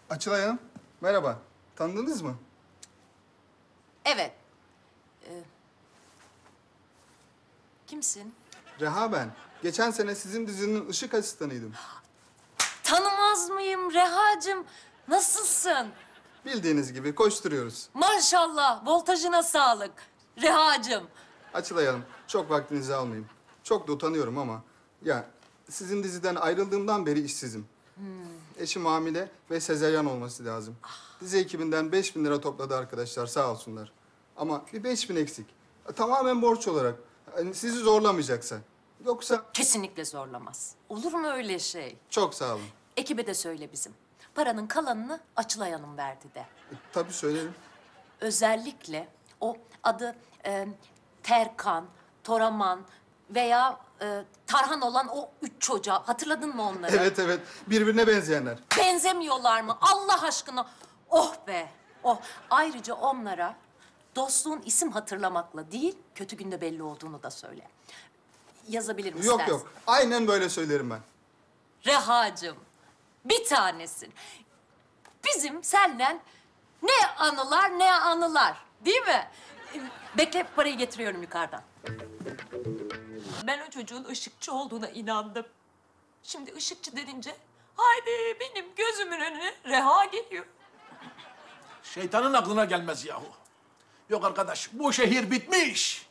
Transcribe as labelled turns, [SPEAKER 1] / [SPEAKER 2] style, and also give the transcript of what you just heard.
[SPEAKER 1] Açılay Hanım, merhaba. Tanıdınız mı?
[SPEAKER 2] Evet. Kimsin?
[SPEAKER 1] Reha ben. Geçen sene sizin dizinin ışık asistanıydım.
[SPEAKER 2] Tanımaz mıyım Reha'cığım? Nasılsın?
[SPEAKER 1] Bildiğiniz gibi koşturuyoruz.
[SPEAKER 2] Maşallah, voltajına sağlık. Reha'cığım.
[SPEAKER 1] Açılay Hanım, çok vaktinizi almayayım. Çok da utanıyorum ama... Ya, sizin diziden ayrıldığımdan beri işsizim. Eşim hamile ve sezaryen olması lazım. Dizi ekibinden 5.000 lira topladı arkadaşlar, sağ olsunlar. Ama bir 5.000 eksik. Tamamen borç olarak. Hani sizi zorlamayacaksa. Yoksa...
[SPEAKER 2] Kesinlikle zorlamaz. Olur mu öyle şey?
[SPEAKER 1] Çok sağ olun.
[SPEAKER 2] Ekibe de söyle bizim. Paranın kalanını Açılay Hanım verdi de.
[SPEAKER 1] Tabii söylerim.
[SPEAKER 2] Özellikle o adı Terkan, Toraman veya Tarhan olan o 3 çocuğa. Hatırladın mı onları?
[SPEAKER 1] Evet, evet. Birbirine benzeyenler.
[SPEAKER 2] Benzemiyorlar mı? Allah aşkına. Oh be, oh. Ayrıca onlara dostluğun isim hatırlamakla değil, kötü günde belli olduğunu da söyle. Yazabilirim
[SPEAKER 1] Yok
[SPEAKER 2] istersen.
[SPEAKER 1] yok. Aynen böyle söylerim ben.
[SPEAKER 2] Reha'cığım, bir tanesin. Bizim senden ne anılar ne anılar, değil mi? Bekle, parayı getiriyorum yukarıdan. Ben o çocuğun ışıkçı olduğuna inandım. Şimdi ışıkçı denince, haydi benim gözümün önüne Reha geliyor.
[SPEAKER 3] Şeytanın aklına gelmez yahu. Yok arkadaş, bu şehir bitmiş.